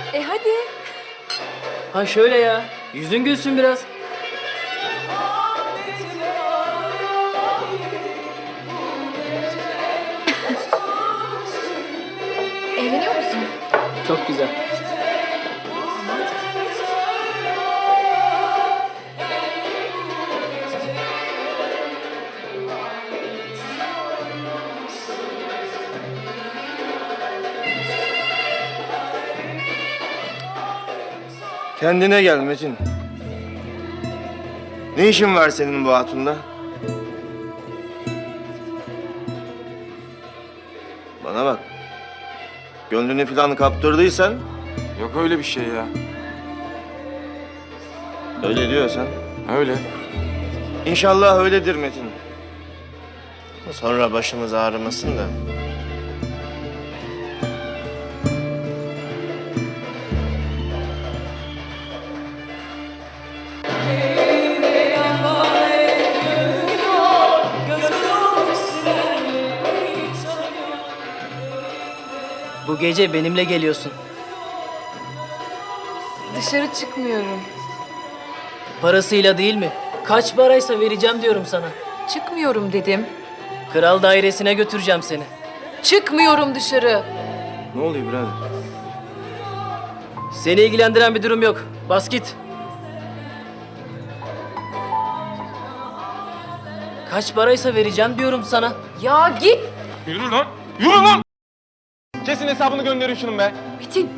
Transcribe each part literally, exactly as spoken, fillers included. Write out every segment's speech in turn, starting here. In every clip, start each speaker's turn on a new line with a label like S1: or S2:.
S1: E hadi.
S2: Ha şöyle ya. Yüzün gülsün biraz.
S1: Eğleniyor musun?
S2: Çok güzel.
S3: Kendine gel Metin. Ne işin var senin bu hatunla? Bana bak. Gönlünü falan kaptırdıysan
S4: Yok öyle bir şey ya.
S3: öyle diyorsan.
S4: Öyle.
S3: İnşallah öyledir Metin. Sonra başımız ağrımasın da.
S2: Bu gece benimle geliyorsun.
S1: Dışarı çıkmıyorum.
S2: Parasıyla değil mi? Kaç paraysa vereceğim diyorum sana.
S1: Çıkmıyorum dedim.
S2: Kral dairesine götüreceğim seni.
S1: Çıkmıyorum dışarı.
S3: Ne oluyor birader?
S2: Seni ilgilendiren bir durum yok. Bas git. Kaç paraysa vereceğim diyorum sana.
S1: Ya git.
S4: Yürü lan! Yürü lan! Kesin hesabını gönderin şunun be.
S1: Metin.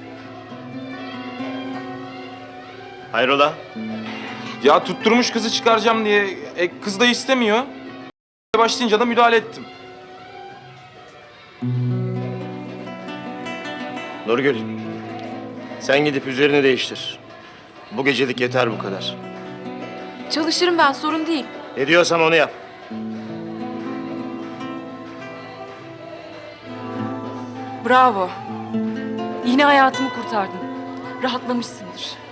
S3: Hayrola?
S4: Ya tutturmuş kızı çıkaracağım diye. E, kız da istemiyor. Başlayınca da müdahale ettim.
S3: Nurgül. Sen gidip üzerini değiştir. Bu gecelik yeter bu kadar.
S1: Çalışırım ben, sorun değil.
S3: Ne diyorsam onu yap.
S1: Bravo. Yine hayatımı kurtardın. Rahatlamışsındır.